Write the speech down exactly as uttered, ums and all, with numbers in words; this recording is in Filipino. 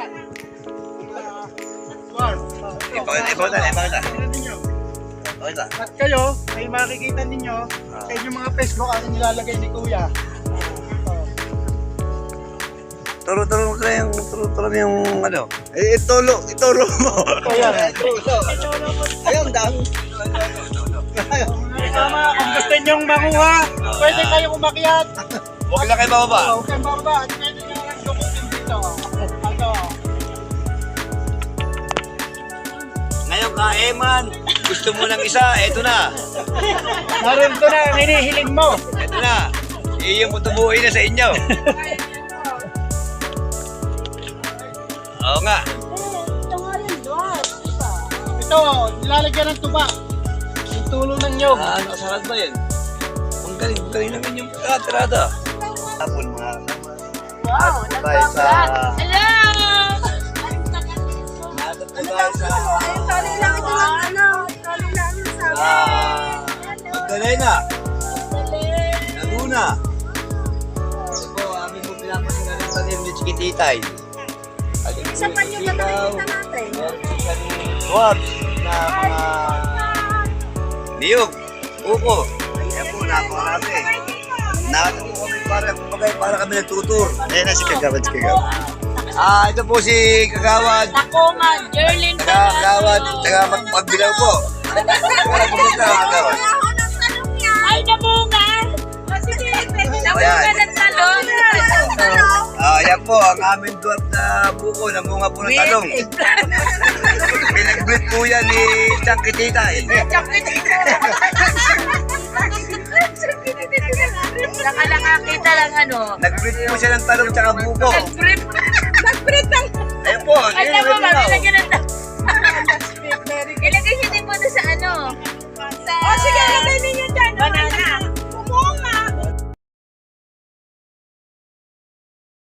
Ipakita, ipakita, ipakita. Ipakita. At kayo, may makikita ninyo sa inyong mga Facebook ang nilalagay ni Kuya. Turo-turo mo yung, turo-turo mo yung ano. Eh, itulog, itulog mo. Kuya. Ayun, dami. Tama, kung gusto nyong makuha, pwede kayong umakyat. Huwag lang kayo bababa. Huwag kayong bababa. At pwede nyo lang dukutin dito. Ito. Ngayon ka, Eman. Gusto mo ng isa, eto na. Naroon ko na ang hinihiling mo. Eto na. Iyong putubuhin na sa inyo. Oo nga. Ito, nilalagyan ng tuba. Yung tulo ng nyog. Ah, nakasarad ba yan? Ang galing, ang galing naman yung katrada. Tapon mga kasama. Wow, nagpaplat. Hello! Natot po tayo sa... Tali lang ito lang, ano, tali lang yung sabi. Ah, Magdalena. Laguna. Ito po, amin po pinapasingan ng tanim ni Chikititay. Isa pa yung nakikita natin. What? Na mga... Niyog. Uko. Yan po, napakarami. Nakita po kami para, kumbaga, para kami nagtutur. Ayan na si Kagawad, si Kagawad. Ah, ito po si Kagawad. Takoma, Jerlyn Kagawad, taga magpagbilaw po. Wala po kita, Kagawad. Ay, namunga! Sige, namunga ng talong. Ah, yan po, ang aming duwat na buko, namunga po ng talong. Pinag-breed po yan ni Changkititay. Saka nakakita lang ano. Nag-breed po siya ng talong tsaka buko. Nag-breed. Nag-breed lang. Ayun po, Ay, yun, naman, yun, yun. ilagyan ng talong. Ilagay siya din po sa ano. Sa... Oh, sige, ilagay ninyo dyan. Banana